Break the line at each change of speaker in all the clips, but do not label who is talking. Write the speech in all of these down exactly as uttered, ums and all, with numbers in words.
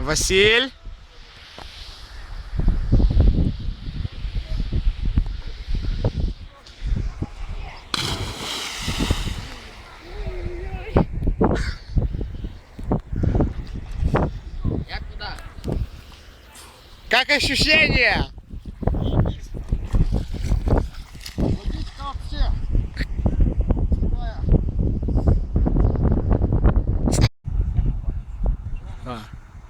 Василь.
Як куда?
Как ощущение?
Водичка вообще.
А.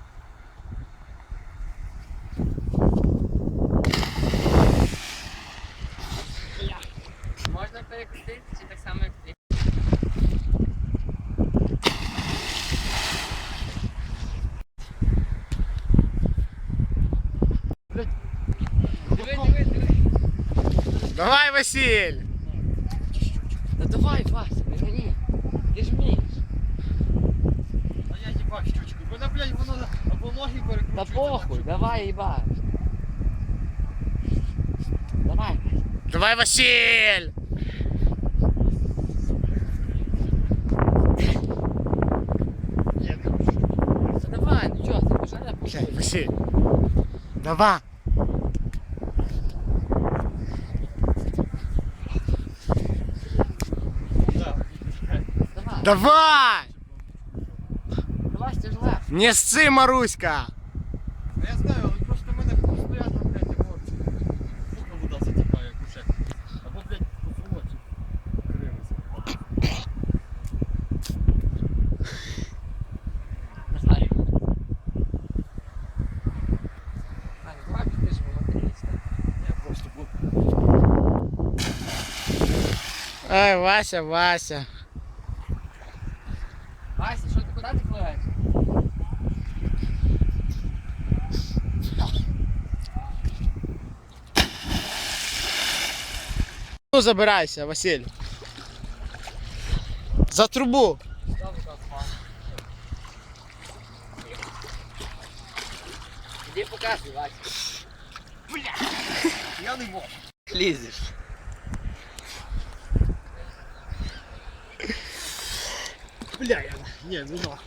Можна перекрутити чи так само як ти? Диви, диви, диви.
Давай, Василь.
Да давай, Вася, не гони. Ти ж вмієш.
А я їбав щучку. Вона, блядь, воно або ноги
Та
перекручується.
похуй, давай їбаш. Давай.
Давай, Василь.
Та давай, ну чого, ти вже не
Блядь,
пішли.
Василь. Давай.
Давай,
Давай.
давай, стяжла.
Не сцы, Маруська.
Я знаю, але просто мене постійно, блядь, його сука вода затікає, кушек. Або, блядь, по фулоці кривиться.
Давай. Ань, давай, ти ж молодець.
Я просто був.
Ай, Вася, Вася.
Вася, що ти, куди ти пливеш?
Ну, забирайся, Василь. За трубу.
Іди показуй, Вася.
Я не можу.
Лізеш.
Бля, я... Ні, ну нахуй.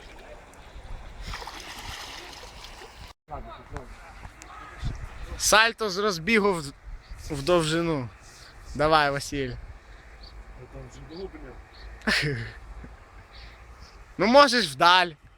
Сальто з розбігу в, в довжину. Давай, Василь.
Там вже було, бля.
Ну можеш вдаль.